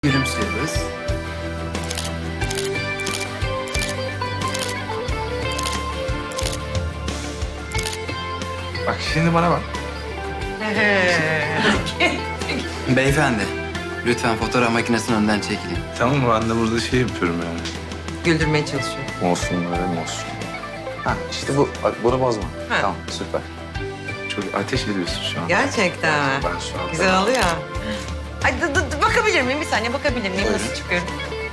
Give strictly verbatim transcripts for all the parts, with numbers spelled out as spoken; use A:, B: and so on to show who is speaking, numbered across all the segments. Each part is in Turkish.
A: Gülümsüyoruz.
B: Bak şimdi bana bak.
A: Beyefendi, lütfen fotoğraf makinesinin önünden çekilin.
B: Tamam mı? Ben de burada şey yapıyorum yani.
C: Güldürmeye çalışıyor.
B: Olsun öyle mi olsun? Ha işte bu. Bak bunu bozma.
C: Ha.
B: Tamam süper. Çok ateş ediyorsun şu an.
C: Gerçekten mi?
B: Ben şu an...
C: Güzel oluyor. Ay dı, dı, dı, bakabilir miyim? Bir saniye bakabilir miyim?
A: Buyurun.
C: Nasıl çıkıyorum?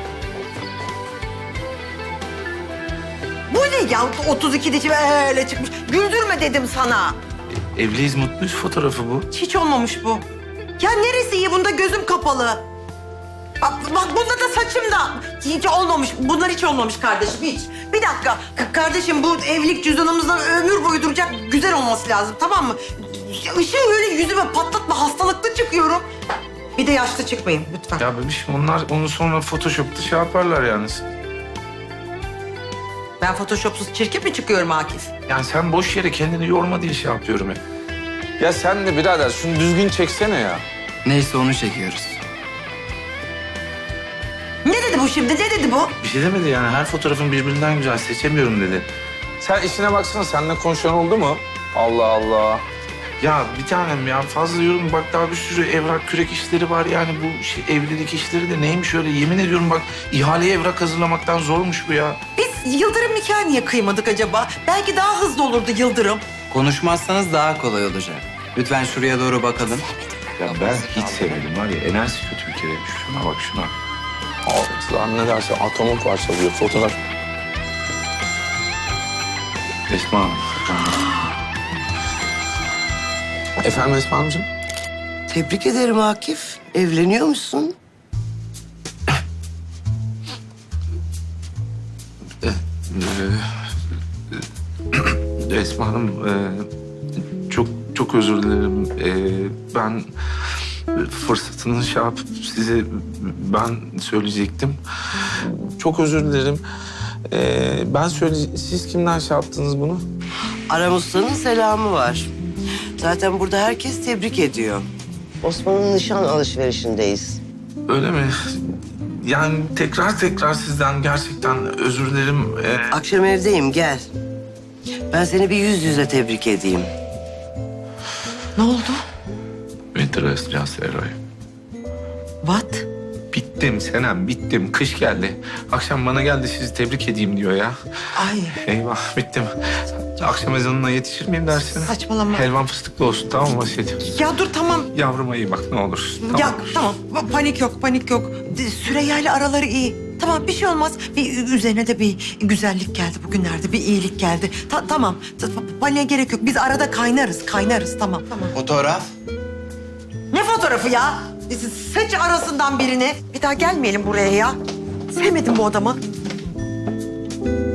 C: Bu ne ya? otuz iki dişi öyle çıkmış. Güldürme dedim sana.
B: Evliyiz, mutluyuz fotoğrafı bu.
C: Hiç olmamış bu. Ya neresi iyi? Bunda gözüm kapalı. Bak, bak bunda da saçım da. Hiç olmamış. Bunlar hiç olmamış kardeşim, hiç. Bir dakika. K- kardeşim bu evlilik cüzdanımızdan ömür boyu duracak güzel olması lazım, tamam mı? Işığı öyle yüzüme patlatma, hastalıklı çıkıyorum. Bir de yaşlı çıkmayın lütfen.
B: Ya bebişim onlar onu sonra Photoshop'ta şey yaparlar yalnız.
C: Ben photoshopsuz çirkin mi çıkıyorum Akif?
B: Yani sen boş yere kendini yorma diye şey yapıyorum ya. Ya sen de birader şunu düzgün çeksene ya.
A: Neyse onu çekiyoruz.
C: Ne dedi bu şimdi? Ne dedi bu?
B: Bir şey demedi yani her fotoğrafın birbirinden güzel seçemiyorum dedi. Sen işine baksana seninle konuşan oldu mu? Allah Allah. Ya bir tanem ya fazla yorum bak daha bir sürü evrak kürek işleri var yani bu şey, evlilik işleri de neymiş öyle yemin ediyorum bak ihaleye evrak hazırlamaktan zormuş bu ya.
C: Biz Yıldırım nikahı niye kıymadık acaba? Belki daha hızlı olurdu Yıldırım.
A: Konuşmazsanız daha kolay olacak. Lütfen şuraya doğru bakalım.
B: Ya ben hiç sevmedim var ya enerjisi kötü bir kere. Şuna bak şuna. Ağzı ne derse atomu parçalıyor fotoğraf. Esma Hanım. Efendim Esma Hanımcığım?
D: Tebrik ederim Akif. Evleniyor musun?
B: Ee, Esma Hanım, e, çok çok özür dilerim. E, ben fırsatını şey yapıp size ben söyleyecektim. Çok özür dilerim. E, ben söyle, siz kimden şey yaptınız bunu?
D: Aram Usta'nın selamı var. Zaten burada herkes tebrik ediyor. Osman'ın nişan alışverişindeyiz.
B: Öyle mi? Yani tekrar tekrar sizden gerçekten özür dilerim. E,
D: Akşam evdeyim, gel. Ben seni bir yüz yüze tebrik edeyim.
C: Ne oldu?
B: Winter Just Eroy.
C: What?
B: Bittim Senem, bittim. Kış geldi. Akşam bana geldi sizi tebrik edeyim diyor ya.
C: Ay
B: Eyvah, bittim. Akşam ezanına yetişir miyim dersine?
C: saçmalama.
B: Helvan fıstıklı olsun, tamam mı Asiye'cim?
C: Ya dur tamam.
B: Yavruma iyi bak ne olur. Tamam.
C: Ya tamam pa- panik yok panik yok. De- Süreyya ile araları iyi. Tamam bir şey olmaz. Bir üzerine de bir güzellik geldi bugünlerde. Bir iyilik geldi. Ta- tamam ta- pa- paniğe gerek yok. Biz arada kaynarız kaynarız tamam. Tamam.
A: Fotoğraf.
C: Ne fotoğrafı ya? Seç arasından birini. Bir daha gelmeyelim buraya ya. Sevmedim bu adamı.